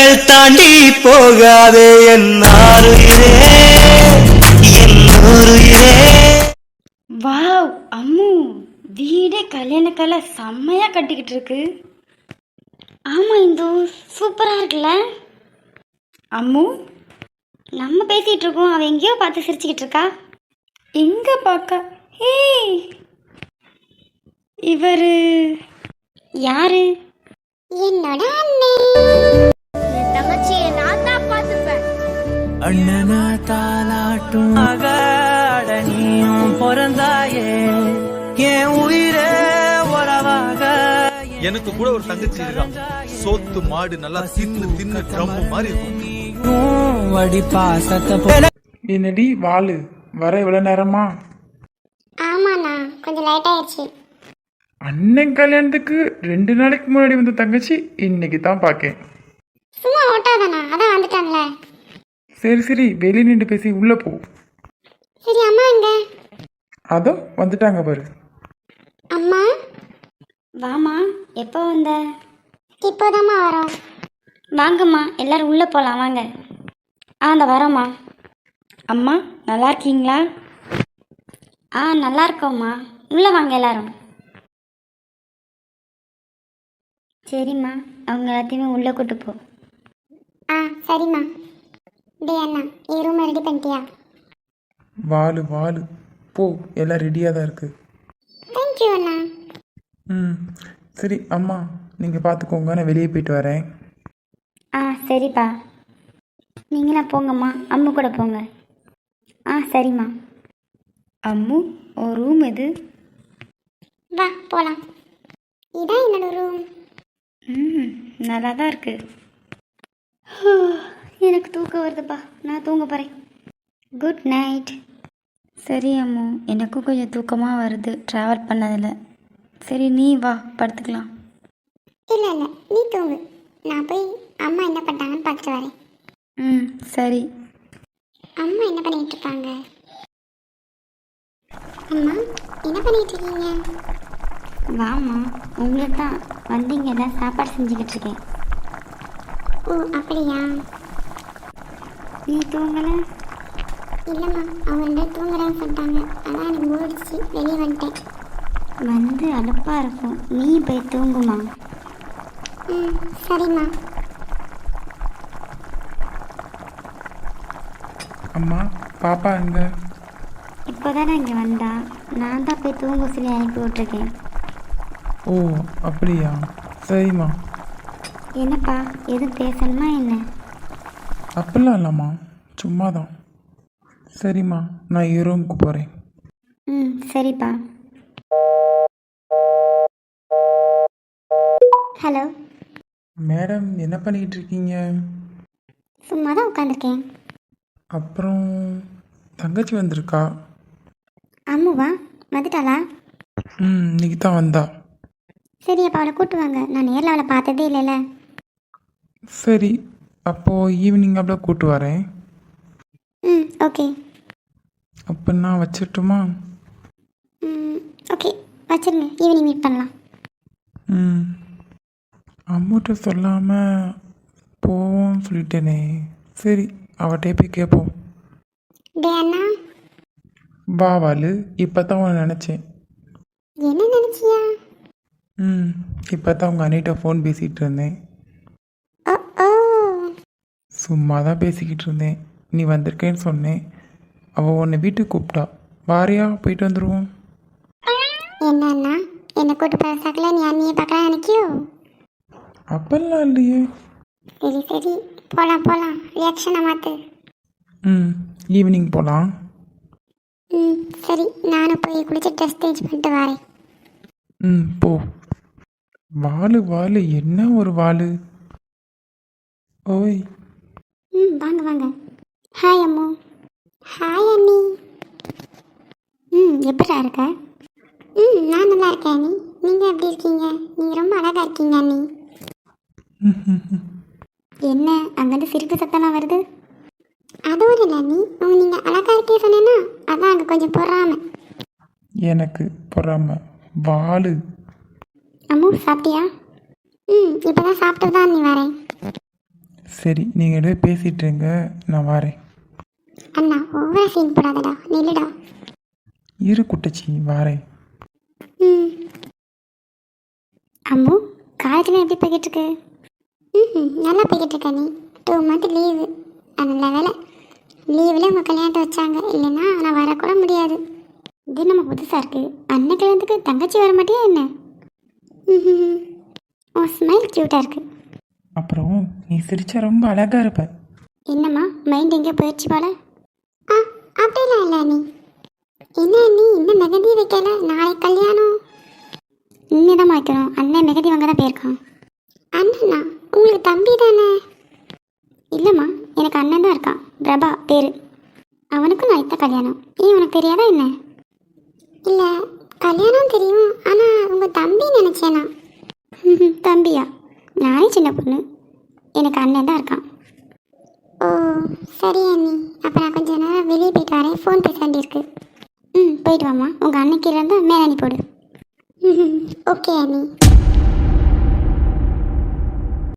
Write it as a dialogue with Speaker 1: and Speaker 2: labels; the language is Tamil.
Speaker 1: கடல் தாண்டி போகாதே என்னாருயிரே என்னுயிரே.
Speaker 2: வாவ் அம்மு, வீடே கல்யாண கலை செம்மையாக கட்டிக்கிட்டு இருக்கு. ஆமாம் இந்து, சூப்பராக இருக்குல்ல. அம்மு, நம்ம பேசிகிட்டு இருக்கோம், அவள் எங்கேயோ பார்த்து சிரிச்சுக்கிட்டு இருக்கா. எங்கே பார்க்க? ஏய், இவர் யாரு?
Speaker 3: என்னோட அண்ணன். என் தங்கச்சியை நான் தான் பார்த்துப்பேன்.
Speaker 1: அண்ணனா தாலாட்டும் நீயும் பிறந்தாயே என் உயிரே உறவாக.
Speaker 4: எனக்கு கூட ஒரு தங்கச்சி இருக்கான். சோத்து மாடு நல்லா தின்னு தின்னு ட்ரம் மாதிரி இருக்கும்.
Speaker 5: என்னடி வாளு, வர இவ்வளவு நேரமா?
Speaker 3: ஆமாண்ணா, கொஞ்சம் லேட் ஆயிடுச்சு.
Speaker 5: அண்ணன் கல்யாணத்துக்கு 2 நாளைக்கு முன்னாடி வந்த தங்கச்சி இன்னைக்கு தான் பார்க்கேன்.
Speaker 3: சும்மா ஓட்டாதானா, அதான் வந்துட்டான்ல.
Speaker 5: சரி சரி, வெளியே நின்று பேசி உள்ள போ.
Speaker 3: சரி, அம்மா எங்க?
Speaker 5: அதோ வந்துட்டாங்க பாரு.
Speaker 3: அம்மா
Speaker 2: வாமா, எப்போ வந்த?
Speaker 3: இப்போதாம்மா வரோம்.
Speaker 2: வாங்கம்மா, எல்லாரும் உள்ளே போகலாம் வாங்க. அந்த வரோம்மா. அம்மா நல்லா இருக்கீங்களா? நல்லா இருக்கோம்மா, உள்ளே வாங்க எல்லாரும். சரிம்மா, அவங்க எல்லாத்தையுமே உள்ளே கூட்டு போ.
Speaker 3: சரிம்மா. டேய் அண்ணா, என் ரூம் ரெடி பண்ணிட்டியா?
Speaker 5: வாளு வாளு, போ, எல்லாம் ரெடியாக தான் இருக்கு.
Speaker 3: தேங்க்யூ அண்ணா.
Speaker 5: சரி அம்மா, நீங்கள் பார்த்துக்கோங்க, நான் வெளியே போயிட்டு வரேன்.
Speaker 2: சரிப்பா, நீங்களாம் போங்கம்மா, அம்மு கூட போங்க. சரிம்மா. அம்மு, ஒரு ரூம் எது?
Speaker 3: வா போகலாம். இதான் என்னோட ரூம்.
Speaker 2: நல்லா தான் இருக்கு. எனக்கு தூக்கம் வருதுப்பா, நான் தூங்க போகிறேன். Good night. சரி அம்மு, எனக்கும் கொஞ்சம் தூக்கமாக வருது ட்ராவல் பண்ணதில். சரி நீ வா, படுத்துக்கலாம்.
Speaker 3: இல்லை இல்லை, நீ தூங்கு. நான் போய் அம்மா என்ன பண்ணிட்டாங்கன்னு பார்த்துட்டு வரேன்.
Speaker 2: சரி.
Speaker 3: அம்மா என்ன பண்ணிட்டு இருக்காங்க? அம்மா என்ன பண்ணிட்டு இருக்கீங்க?
Speaker 2: வாம்மா, உங்களை தான் வந்தீங்க, தான் சாப்பாடு செஞ்சுக்கிட்டு இருக்கேன்.
Speaker 3: ஓ அப்படியா?
Speaker 2: நீ தூங்கலை?
Speaker 3: இல்லைம்மா, அவங்க 2 தூங்குறேன்னு சொல்லிட்டாங்க. அதான் எனக்கு மூடிச்சு, வெளியே வந்துட்டேன்.
Speaker 2: வந்து அலுப்பாக இருக்கும், நீ போய் தூங்குமா.
Speaker 3: சரிம்மா.
Speaker 5: அம்மா, பாப்பா எங்க?
Speaker 2: இப்போ தானே இங்கே வந்தா, நான் தான் போய் தூங்க சொல்லி அனுப்பி விட்ருக்கேன்.
Speaker 5: ஓ அப்படியா, சரிம்மா.
Speaker 2: என்னப்பா, எதுவும் பேசணுமா என்ன?
Speaker 5: அப்படிலாம் இல்லைம்மா, சும்மா தான். சரிம்மா, நான் என் ரூமுக்கு போகிறேன்.
Speaker 2: சரிப்பா.
Speaker 3: ஹலோ
Speaker 5: மேடம், என்ன பண்ணிக்கிட்டு இருக்கீங்க?
Speaker 3: சும்மா தான் உட்காந்துருக்கேன்.
Speaker 5: அப்புறம் தங்கச்சி வந்திருக்கா?
Speaker 3: அம்முவா வந்துட்டாளா?
Speaker 5: இன்னைக்கு தான் வந்தா.
Speaker 3: சரி, அப்போ அவளை கூட்டு வாங்க. நான் நேரில் அவளை பார்த்ததே இல்லைல்ல.
Speaker 5: சரி, அப்போது ஈவினிங் அப்படியே கூட்டு வரேன்.
Speaker 3: ஓகே.
Speaker 5: அப்போ நான் வச்சிட்டுமா?
Speaker 3: ஓகே, வச்சிருங்க. ஈவினிங் மீட் பண்ணலாம்.
Speaker 5: அம்முட்ட சொல்லாமல் போவோம்னு சொல்லிட்டேனே. சரி, அவட்டே போய் கேட்போம்.
Speaker 3: டே அண்ணா.
Speaker 5: வா வாளு, இப்போ தான் உன்னை நினச்சேன்.
Speaker 3: என்ன நினச்சியா?
Speaker 5: இப்போ தான் உங்கள் அண்ணிட்ட ஃபோன் பேசிகிட்டு இருந்தேன்.
Speaker 3: ஓ
Speaker 5: சும்மா தான் பேசிக்கிட்டு இருந்தேன். நீ வந்திருக்கேன்னு சொன்னேன். அவள் உன்னை வீட்டுக்கு கூப்பிட்டா, வாரியா போயிட்டு வந்துடுவோம்.
Speaker 3: என்ன அண்ணா, என்னை கூட்டு பேசாக்கல, நீ அண்ணியை பார்க்கலாம் நினைக்கியோ?
Speaker 5: அப்பெல்லாம் இல்லையே.
Speaker 3: சரி சரி, போகலாம் போகலாம். ரியாக்ஷனை மாற்று.
Speaker 5: ஈவினிங் போகலாம்.
Speaker 3: சரி, நானும் போய் குளிச்சு ட்ரெஸ் சேஞ்ச் பண்ணிட்டு வரேன்.
Speaker 5: போ. வாளு வாளு, என்ன ஒரு வாளு. ஓய்.
Speaker 3: வாங்க வாங்க. ஹாய் அம்மு. ஹாய் அண்ணி. எப்படிடா இருக்க? நான் நல்லா இருக்கேன் அண்ணி. நீங்கள் எப்படி இருக்கீங்க? நீங்கள் ரொம்ப அழகாக இருக்கீங்க அண்ணி. என்ன அங்கேருந்து சிரிப்பு சத்தம்லாம் வருது? அதுவும் இல்லை அண்ணி, நீங்கள் அழகாக இருக்கே சொன்னேன்னா அதான் அங்கே கொஞ்சம் பொறாம.
Speaker 5: எனக்கு பொறாம வாளு.
Speaker 3: அம்மு சாப்பிட்டியா? இப்போ தான் சாப்பிட்டு தான் அண்ணி வரேன்.
Speaker 5: சரி நீங்கள் எதுவும் பேசிகிட்டு இருங்க, நான் வரேன்.
Speaker 3: அண்ணா ஓவரா சீன் போடாதடா, நில்லுடா.
Speaker 5: இரு குட்டச்சி, வரேன்.
Speaker 3: ம். அம்மு, காலேஜ்லாம் எப்படி போய்கிட்டு இருக்கு? நல்லா போய்கிட்டு இருக்கா நீ. 2 மந்த் லீவு. நல்ல வேலை லீவில் உங்கள் கல்யாணத்தை வச்சாங்க, இல்லைன்னா நான் வரக்கூட முடியாது. இது நம்ம புதுசாக இருக்குது. அண்ணன் கல்யாணத்துக்கு தங்கச்சி வர மாட்டியா என்ன? உன் ஸ்மைல் க்யூட்டாக இருக்குது.
Speaker 5: அப்புறம் நீ சிரிச்சா ரொம்ப அழகாக இருப்ப.
Speaker 3: என்னம்மா மைண்ட் எங்கே போயிடுச்சு போல? அப்படிலாம் இல்லை நீ. என்ன நீ இன்னும் மெகந்தி வைக்கல? நாளைக்கு கல்யாணம். இன்னும் வைக்கிறோம். அண்ணன் மெகந்தி வாங்க தான் போயிருக்கான். அண்ணனா? உங்களுக்கு தம்பி தானே? இல்லைம்மா, எனக்கு அண்ணன் தான் இருக்கான், பிரபா பேர். அவனுக்கும் நான் இத்த கல்யாணம். ஏன் உனக்கு தெரியாதா என்ன? இல்லை, கல்யாணம் தெரியும், ஆனால் உங்கள் தம்பி நினச்சேனா? தம்பியா? நானே சின்ன பொண்ணு, எனக்கு அண்ணன் தான் இருக்கான். ஓ சரி அண்ணி, அப்போ நான் கொஞ்சம் நேரம் வெளியே போயிட்டு வரேன், ஃபோன் பேச வேண்டியிருக்கு. போயிட்டு வாம்மா. உங்கள் அண்ணன் கீழே இருந்தால் மேலே அனுப்பி போடு. ஓகே அண்ணி.